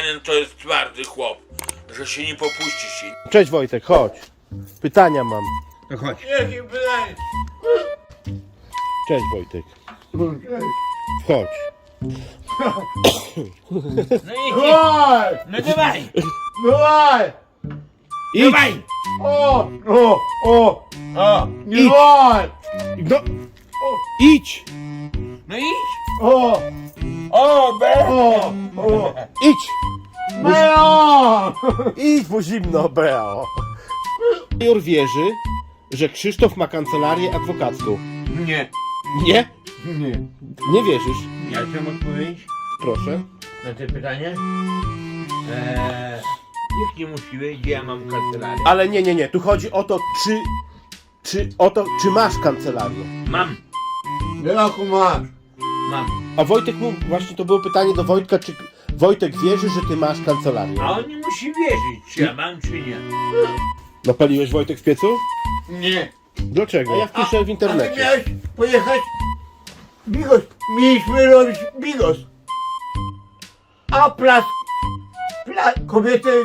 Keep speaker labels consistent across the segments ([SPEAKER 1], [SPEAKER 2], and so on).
[SPEAKER 1] Marianin to jest twardy chłop, że się nie popuści się.
[SPEAKER 2] Cześć Wojtek, chodź. Pytania mam.
[SPEAKER 1] No chodź.
[SPEAKER 3] Jakie pytanie?
[SPEAKER 2] Cześć Wojtek. Wchodź.
[SPEAKER 1] No i
[SPEAKER 3] Dawaj!
[SPEAKER 1] no dawaj,
[SPEAKER 3] Dawaj!
[SPEAKER 2] Idź.
[SPEAKER 1] dawaj.
[SPEAKER 3] O! Nie
[SPEAKER 2] Idź.
[SPEAKER 3] dawaj!
[SPEAKER 2] No. Idź.
[SPEAKER 1] No idź.
[SPEAKER 3] O!
[SPEAKER 1] O, be.
[SPEAKER 3] O!
[SPEAKER 2] Idź.
[SPEAKER 3] Meo!
[SPEAKER 2] Idź, bo zimno, Beo. Major wierzy, że Krzysztof ma kancelarię adwokacką.
[SPEAKER 1] Nie.
[SPEAKER 2] Nie?
[SPEAKER 3] Nie.
[SPEAKER 2] Nie wierzysz?
[SPEAKER 1] Ja chcę odpowiedzieć
[SPEAKER 2] Proszę.
[SPEAKER 1] na te pytanie. Nikt nie musi wiedzieć, gdzie ja mam kancelarię.
[SPEAKER 2] Ale nie. Tu chodzi o to, czy masz kancelarię.
[SPEAKER 1] Mam.
[SPEAKER 3] Jaką masz?
[SPEAKER 1] Mam.
[SPEAKER 2] A Wojtek właśnie to było pytanie do Wojtka, czy Wojtek wierzy, że ty masz kancelarię.
[SPEAKER 1] A on nie musi wierzyć, czy ja mam, czy nie.
[SPEAKER 2] Napaliłeś Wojtek w piecu?
[SPEAKER 3] Nie.
[SPEAKER 2] Dlaczego? Ja wpiszę w
[SPEAKER 3] A ty
[SPEAKER 2] internecie.
[SPEAKER 3] miałeś pojechać bigos. Mieliśmy robić bigos. A kobiety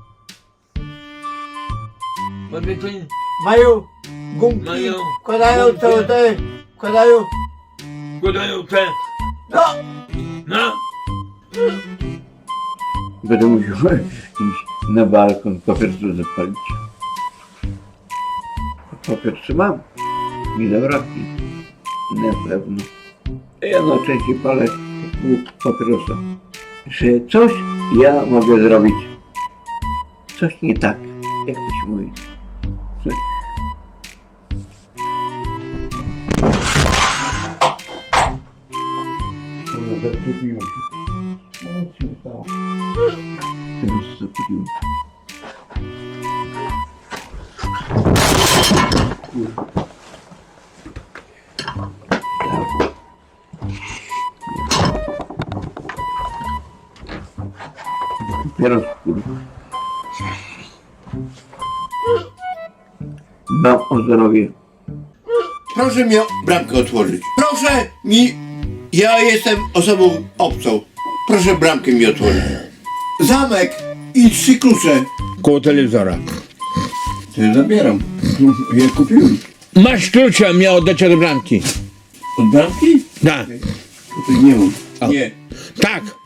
[SPEAKER 1] Kobiety
[SPEAKER 3] mają gumki,
[SPEAKER 1] Mają
[SPEAKER 3] wkładają
[SPEAKER 1] gumki.
[SPEAKER 3] wkładają.
[SPEAKER 1] składają te.
[SPEAKER 3] No!
[SPEAKER 1] No.
[SPEAKER 4] Będę musiał iść na balkon, papierosu zapalić. Papierosy mam. Nie zabraknie. Na pewno. Ja najczęściej palę papierosa. Że coś ja mogę zrobić. Coś nie tak, jak to się mówi. Coś. Zaczepiło się. No, co się stało? Teraz zakupiłem. Teraz kurwa. Dbam o zdrowie.
[SPEAKER 5] Proszę mi bramkę otworzyć. Proszę mi... Ja jestem osobą obcą. Proszę bramkę mi otworzyć. Zamek i 3 klucze.
[SPEAKER 1] Koło telewizora.
[SPEAKER 5] To ja zabieram. Ja kupiłem.
[SPEAKER 1] Masz klucza, miał oddać od bramki.
[SPEAKER 5] Od bramki?
[SPEAKER 1] Tak.
[SPEAKER 5] Tutaj nie mam. Nie.
[SPEAKER 1] Tak.